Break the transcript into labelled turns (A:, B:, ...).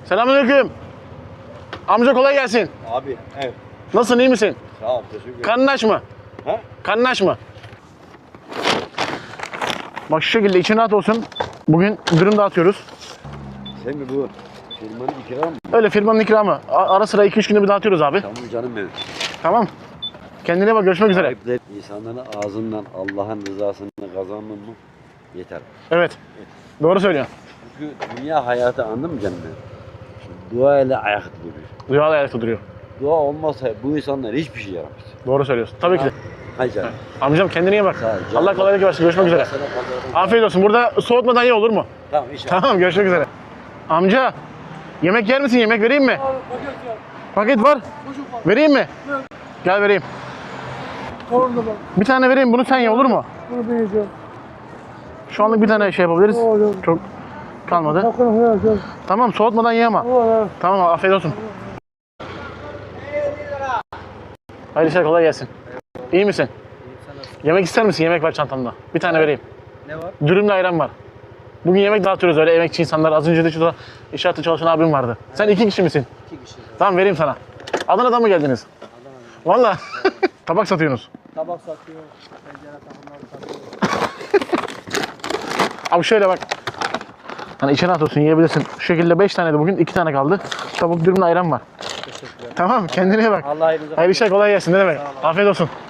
A: Selamünaleyküm. Amca kolay gelsin.
B: Abi evet.
A: Nasılsın, iyi misin?
B: Sağ ol, teşekkür ederim.
A: Karnın aç mı?
B: Ha?
A: Karnın aç mı? Bak şu şekilde için rahat olsun. Bugün dürüm dağıtıyoruz.
B: Sen mi bu? Firmanın ikramı mı?
A: Öyle firmanın ikramı. Ara sıra 2-3 günde bir dağıtıyoruz abi.
B: Tamam canım benim.
A: Tamam. Kendine bak, görüşmek üzere.
B: Sahipler insanların ağzından Allah'ın rızasını kazanmam mı? Yeter.
A: Evet. Doğru söylüyorsun.
B: Çünkü dünya hayatı anladın mı canım benim? Şimdi dua ile ayakta duruyor.
A: Duyarlı ayakta duruyor.
B: Dua olmazsa bu insanlar hiçbir şey yaramaz.
A: Doğru söylüyorsun. Tabii ki de.
B: Hayır canım.
A: Amcam kendine iyi bak.
B: Sağ ol canım.
A: Allah kolaylık versin. Görüşmek üzere.
B: Sana pazarın-
A: Afiyet olsun. Burada soğutmadan ye, olur mu?
B: Tamam inşallah.
A: Tamam, görüşmek üzere. Amca, yemek yer misin? Yemek vereyim mi? Paket var. Vereyim mi? Gel vereyim.
C: Orada bak,
A: Bir tane vereyim, bunu sen ye, olur mu?
C: bunu ben yiyeceğim.
A: Şu anlık bir tane şey yapabiliriz.
C: Olur.
A: Çok kalmadı.
C: Hakkını koyarsan.
A: Tamam, soğutmadan ye ama.
C: Olur.
A: Tamam, afiyet olsun. Hayırlı işler, kolay gelsin. İyi misin? Yemek ister misin? Yemek var çantamda. Bir tane vereyim.
C: Ne var?
A: Dürümle ayran var. Bugün yemek dağıtıyoruz, öyle emekçi insanlar. Az önce de şurada inşaatta çalışan abim vardı. Sen 2 kişi misin?
C: 2 kişi.
A: Tamam, vereyim sana. Adana'dan mı geldiniz?
C: Adana'dan.
A: Valla. Tabak satıyorsunuz.
C: Tabak satıyor, pencere takımları satıyor.
A: Abi şöyle bak. Hani içine at olsun, yiyebilirsin. Şu şekilde 5 tane de bugün, 2 tane kaldı. Tavuk dürümle ayran var.
C: Teşekkürler.
A: Tamam, kendine iyi bak.
C: Allah hayırlısı.
A: Hayırlı işler, kolay gelsin. Ne demek? Afiyet olsun.